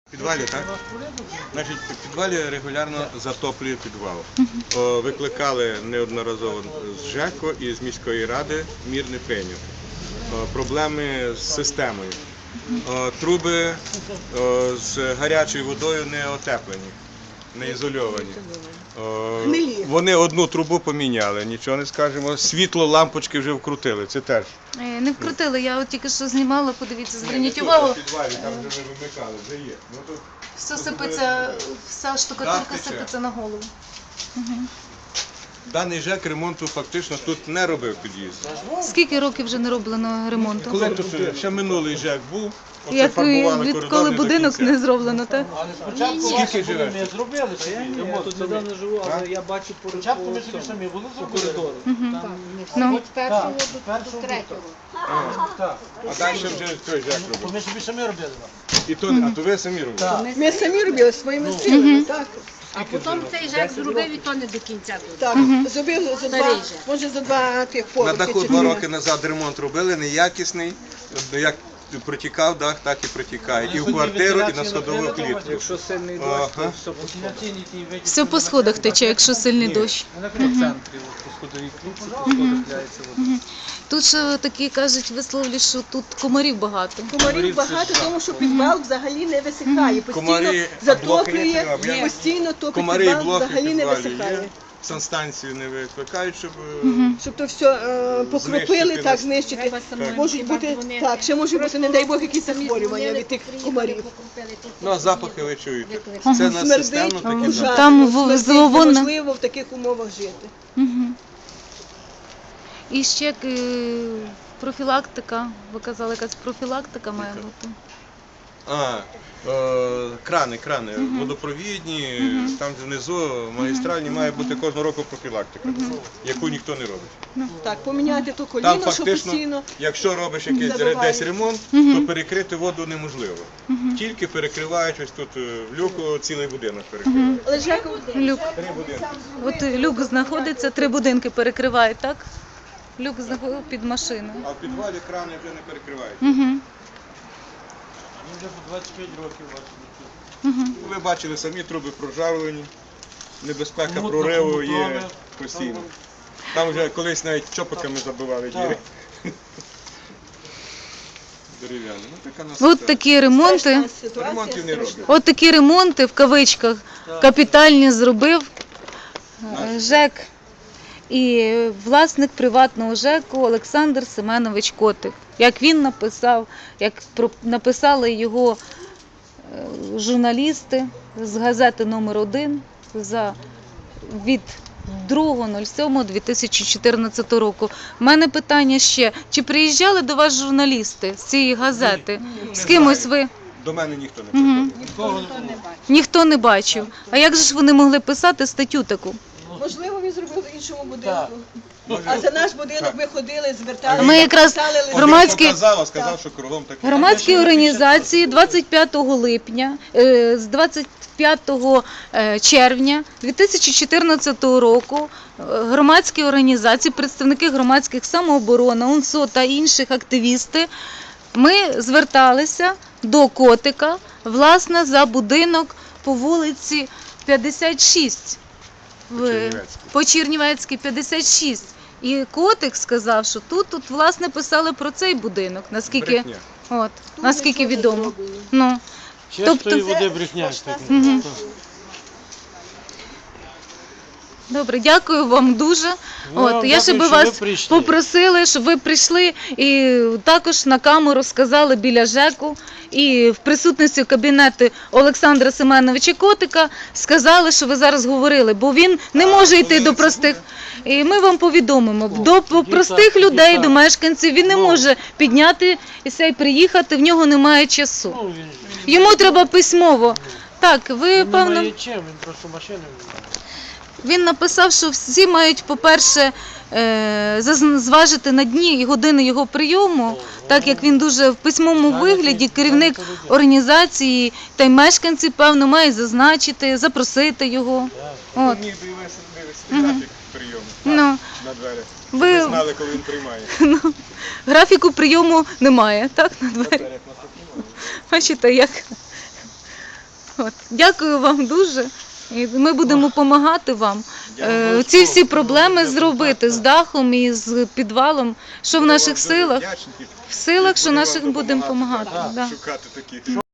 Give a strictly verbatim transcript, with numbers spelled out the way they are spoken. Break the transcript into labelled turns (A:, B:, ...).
A: В підвалі, так? Значить, в підвалі регулярно затоплює підвал. О, викликали неодноразово з ЖЕКу і з міської ради, мір не прийняв. О, проблеми з системою. О, труби о, з гарячою водою не отеплені, не ізольовані. О, вони одну трубу поміняли, нічого не скажемо. Світло, лампочки вже вкрутили, це теж.
B: Не вкрутили, я от тільки що знімала, подивіться, зверніть
A: Тут,
B: увагу.
A: в підвалі, там вже ми вимикали, вже є. Ну, тут,
B: Все
A: тут
B: сипеться, вся штукатурка
A: Дах тече.
B: сипеться на голову. Угу.
A: Даний ЖЕК ремонту фактично тут не робив під'їзд.
B: Скільки років вже не роблено ремонту?
A: Коли тут ще минулий ЖЕК був, оце
B: Як
A: фарбували
B: відколи
A: коридор не до
B: будинок
A: кінця.
B: не зроблено, так?
C: Але спочатку
A: Скільки
C: ваші
A: живеш
C: були, ми
A: тут?
C: зробили собі
D: Я
C: ремонт.
D: тут недавно живу, але я бачу по,
C: Спочатку ми
D: по,
C: собі
D: цьому,
C: самі були
D: по
C: зробили.
D: коридору.
B: Угу.
D: Там
B: Ну.
E: Від першого
C: Так,
E: до,
C: першого
E: до третього.
C: Так.
A: А далі вже той ЖЕК
C: То
A: робив.
C: ми собі самі робили.
A: І то, а то ви самі робили?
C: Так.
F: Ми самі робили своїми силами, так.
E: А потім цей ЖЕК зробив і то не до кінця. тут.
F: Так, зробив за два,
E: Старий же.
F: може за два тих
A: На
F: поверхи.
A: даху
F: чи
A: два
F: три.
A: роки назад ремонт робили, неякісний. Як протікав дах, так і протікає. І в квартиру, і на сходову клітку.
D: якщо сильний дощ,
A: Ага.
D: то все по сходах.
B: Все по сходах тече, якщо сильний дощ.
D: Вона в центрі, от, по сходовій клітці, по сходах ляється вода.
B: Тут ще такі кажуть висловлі, що тут комарів багато.
F: Комарів багато, тому що підвал взагалі не висихає. Постійно
A: Комарі, а блоки є
F: затоплює,
A: треба? Я-
F: постійно топить
A: Комари і
F: підвал,
A: блоки
F: взагалі не
A: підвалі
F: висихає.
A: є. Санстанцію не викликають, щоб
F: Щоб то все е, покропили,
A: Знищити
F: так
A: нас.
F: знищити.
E: Треба самим
F: Можуть
E: хіба
F: бути,
E: дзвонити.
F: так, ще можуть бути, не дай Бог, якісь
E: Самі
F: захворювання
E: дзвонили,
F: від тих
E: приїхали,
F: комарів.
E: покупили тут.
A: ну, а запахи ви чуєте.
E: Викликали.
A: Це на
F: Смердить,
A: системно такі
F: ужасно,
A: запахи.
B: Там в-
F: смердить,
B: зловонно.
F: неможливо в таких умовах жити.
B: Угу. І ще е, профілактика, ви казали, якась профілактика має бути.
A: А, е, крани, крани, водопровідні, там внизу магістральні має бути кожного року профілактика, яку ніхто не робить.
F: Так, поміняти то
A: Там
F: коліно, що
A: фактично,
F: постійно.
A: якщо робиш якийсь
F: Забивають.
A: десь ремонт, то перекрити воду неможливо. Тільки перекривають ось тут е, в люку цілий будинок перекривають.
F: Але ж як
B: Люк.
A: Три будинки.
B: От люк знаходиться, три будинки перекриває, так? Люк знаходиться під машиною.
A: А в підвалі крани вже не перекривають.
B: Угу.
C: Ми вже по двадцять п'ять років бачили.
B: Угу.
A: Ви бачили самі труби прожарені, небезпека
C: Мутно,
A: прориву є
C: хомутрове.
A: постійно. Там вже колись навіть чопиками забивали діри. Дерев'яні. Ну, така нас
B: От такі ремонти.
F: страшна ситуація,
A: ремонтів не
F: страшна.
A: роблять.
B: От такі ремонти в кавичках капітальні зробив е, ЖЕК і власник приватного ЖЕКу Олександр Семенович Котик. Як він написав, як про- написали його е, журналісти з газети номер один за від другого сьомого дві тисячі чотирнадцятого року. У мене питання ще, чи приїжджали до вас журналісти з цієї газети? З кимось ви?
A: До мене ніхто не
B: Угу.
A: приходив.
B: Ніхто не бачив. А як же ж вони могли писати статтю таку?
F: Можливо, він зробив в іншому
C: Так.
F: будинку. А за наш будинок ми ходили, зверталися,
B: Ми якраз
F: писали листи.
A: Один
B: громадські-
A: показав, а сказав, що кругом таке.
B: Громадські організації двадцять п'ятого липня, е, з двадцять п'ятого е, червня дві тисячі чотирнадцятого року е, громадські організації, представники громадських самооборони, УНСО та інших активісти, ми зверталися до Котика, власне, за будинок по вулиці п'ятдесят шість. В-
A: Чернівецькій.
B: По Чернівецькій п'ятдесят шість. І Котик сказав, що тут, тут власне писали про цей будинок, наскільки,
A: Брехня.
B: от,
F: Тут
B: наскільки
F: нічого не
B: відомо.
F: зроблено.
B: Ну,
C: Чистої
B: Тобто-
C: води брехня. так.
B: Мгм. добре, дякую вам дуже.
C: Ну,
B: От,
C: вам
B: я ще
C: дякую,
B: би
C: що ви
B: вас
C: прийшли.
B: попросили, щоб ви прийшли і також на камеру сказали біля ЖЕКу і в присутності кабінету Олександра Семеновича Котика сказали, що ви зараз говорили, бо він не
A: А
B: може йти
A: коли
B: до
A: це
B: простих.
A: буде?
B: І ми вам повідомимо, до
C: тоді
B: простих
C: так,
B: людей,
C: тоді
B: до
C: так.
B: мешканців він не
C: Ну.
B: може піднятися і приїхати, в нього немає часу.
C: Ну, він
B: Йому треба письмово. Так, ви,
C: він
B: певно,
C: немає чим, він просто машини.
B: він написав, що всі мають, по-перше, е, заз- зважити на дні і години його прийому, так як він дуже в письмовому вигляді, керівник організації та й мешканці, певно, мають зазначити, запросити його. От.
A: Міг би вивести графік прийому
B: Ну,
A: на двері.
B: ви
A: Ви знали, коли він приймає.
B: графіку прийому немає, так, на
A: На
B: двері.
A: дверях нас тут немає.
B: Бачите, як От. Дякую вам дуже. І ми будемо допомагати вам е, ці всі проблеми зробити з дахом і з підвалом, що в наших силах. В силах, що наших будемо допомагати. Да.
A: Шукати такі.